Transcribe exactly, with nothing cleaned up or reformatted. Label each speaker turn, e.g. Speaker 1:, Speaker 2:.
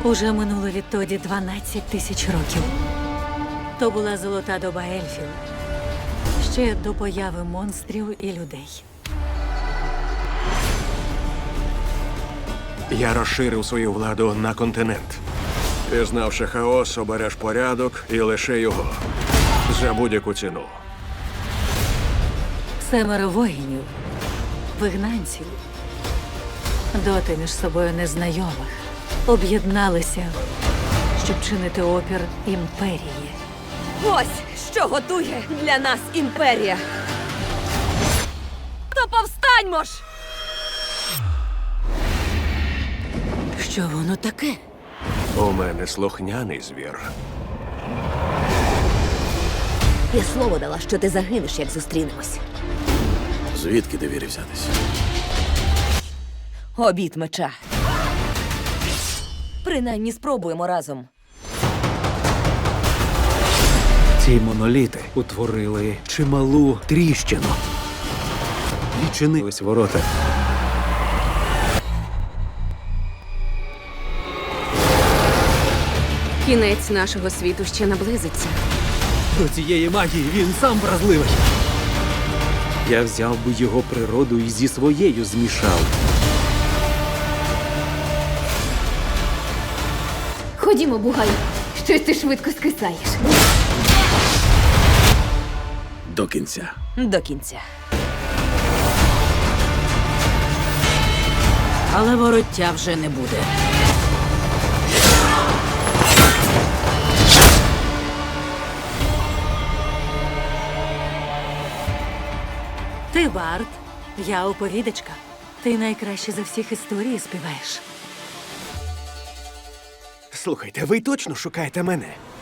Speaker 1: Уже минуло відтоді дванадцять тисяч років. То була золота доба ельфів. Ще до появи монстрів і людей.
Speaker 2: Я розширив свою владу на континент. Пізнавши хаос, обереш порядок і лише його. За будь-яку ціну.
Speaker 1: Семеро воїнів, вигнанців, доти між собою незнайомих, об'єдналися, щоб чинити опір імперії.
Speaker 3: Ось що готує для нас імперія. То повстаньмо ж!
Speaker 1: Що воно таке?
Speaker 2: У мене слухняний звір.
Speaker 3: Я слово дала, що ти загинеш, як зустрінемось.
Speaker 4: Звідки довірі взятись?
Speaker 3: Обід меча. Принаймні спробуємо разом.
Speaker 4: Ці моноліти утворили чималу тріщину. Відчинились ворота.
Speaker 5: Кінець нашого світу ще наблизиться.
Speaker 4: До цієї магії він сам вразливий. Я взяв би його природу і зі своєю змішав.
Speaker 5: Ходімо, бугай. Щось ти швидко скисаєш.
Speaker 4: До кінця.
Speaker 3: До кінця.
Speaker 1: Але вороття вже не буде. Ти Бард, я оповідачка. Ти найкраще за всіх історії співаєш.
Speaker 2: Слухайте, ви точно шукаєте мене?